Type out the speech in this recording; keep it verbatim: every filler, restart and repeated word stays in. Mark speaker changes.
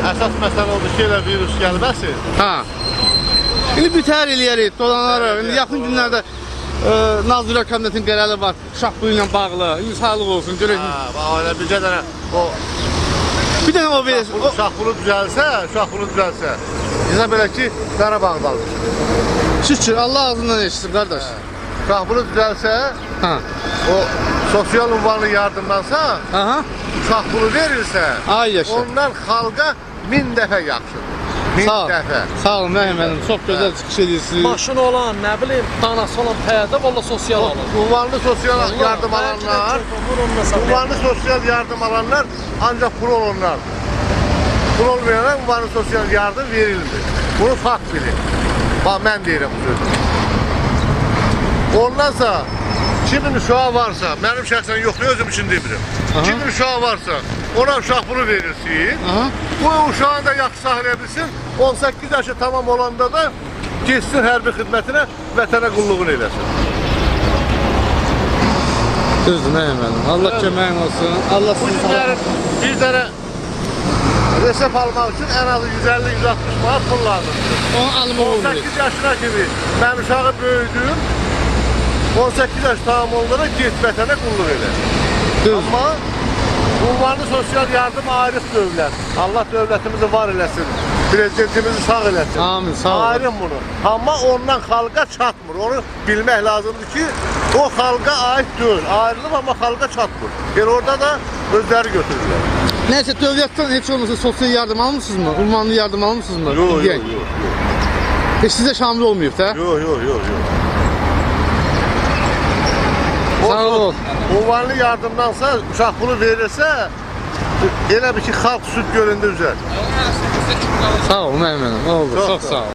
Speaker 1: Əsas məsələ odur ki, elə virus gəlməsin.
Speaker 2: Ha. İndi bütər eləyərik, dolanarıq. İndi yaxın günlərdə e, Nazirlər Kabinetinin qərarı var, uşaq pulu ilə bağlı. İndi sağlıq olsun, görək.
Speaker 1: Hə, bax elə bircə dənə o
Speaker 2: Bir dənə o verir. O...
Speaker 1: uşaq pulu düzəlsə, uşaq pulu düzəlsə. Bizə belə ki, Qarabağdadır.
Speaker 2: Şükür, Allah ağzından eşitsin, qardaş.
Speaker 1: Uşaq pulu düzəlsə,
Speaker 2: Ha.
Speaker 1: o sosial ünvanlı yardımdansa,
Speaker 2: Aha.
Speaker 1: uşaq pulu verilsə,
Speaker 2: Ay yaşa.
Speaker 1: ondan xalqa min dəfə yaxşıdır. Min
Speaker 2: Sağ ol.
Speaker 1: dəfə.
Speaker 2: Sağ olun, mənim mənim. Çox gözəl çıxış edirsiniz.
Speaker 3: Maşın olan, nə bilim, danası olan pəyədə valla sosial alır.
Speaker 1: Ünvanlı sosial yardım alanlar, ünvanlı sosial yardım alanlar ancaq pul olanlar. Pul olmayanlar ünvanlı sosial yardım verilmir. Bunu fakt bilin. Bax, mən deyirəm bu sözü. Ondansa, kimin uşağı varsa, mənim şəxsən yoxdur, özüm üçün demirəm. Kimin uşağı varsa, ona uşaq pulu verirsin.
Speaker 2: Aha.
Speaker 1: Bu uşağını da yaxşı saxlaya bilsin. on səkkiz yaşı tamam olanda da geçsin hərbi xidmətinə, vətənə qulluğunu eləsin.
Speaker 2: Düzdür, mənim mənim. Allah köməyin olsun. Allah
Speaker 1: Bu
Speaker 2: sizi
Speaker 1: günlərin bir dənə resep almaq üçün ən azı yüz əlli yüz altmış manat pul lazımdır.
Speaker 2: onu almaq
Speaker 1: on
Speaker 2: olmuyor.
Speaker 1: səkkiz yaşına kimi mən uşağı böyüdüm. on səkkiz yaş tamam olanda get vətənə qulluq elə.
Speaker 2: Düzdür.
Speaker 1: Amma ünvanlı sosial yardım ayrıq dövlət. Allah dövlətimizi var eləsin. Prezidentimizi sağ eləsin.
Speaker 2: Amin, sağ olun.
Speaker 1: Ayrım bunu. Amma ondan xalqa çatmır. Onu bilmək lazımdır ki, o xalqa aid deyil. Ayrılıb amma xalqa çatmır. Yəni orada da özləri götürürlər.
Speaker 2: Neyse, dövlətdən heç olmasa sosial yardım almışsınız mı? Ünvanlı yardım almışsınız mı?
Speaker 1: Yox, yox,
Speaker 2: Gen.
Speaker 1: yox, yox.
Speaker 2: Heç sizə şamil olmayıb da?
Speaker 1: Yox, yox, yox, yox.
Speaker 2: Sağ ol.
Speaker 1: Ünvanlı yardımdansa uşaq pulu verirsə, elə bir ki, xalq süd gölündə üzər.
Speaker 2: Sağ ol, mənim mənim. Oldu,
Speaker 1: Çox
Speaker 2: çox
Speaker 1: sağ ol.
Speaker 2: sağ ol.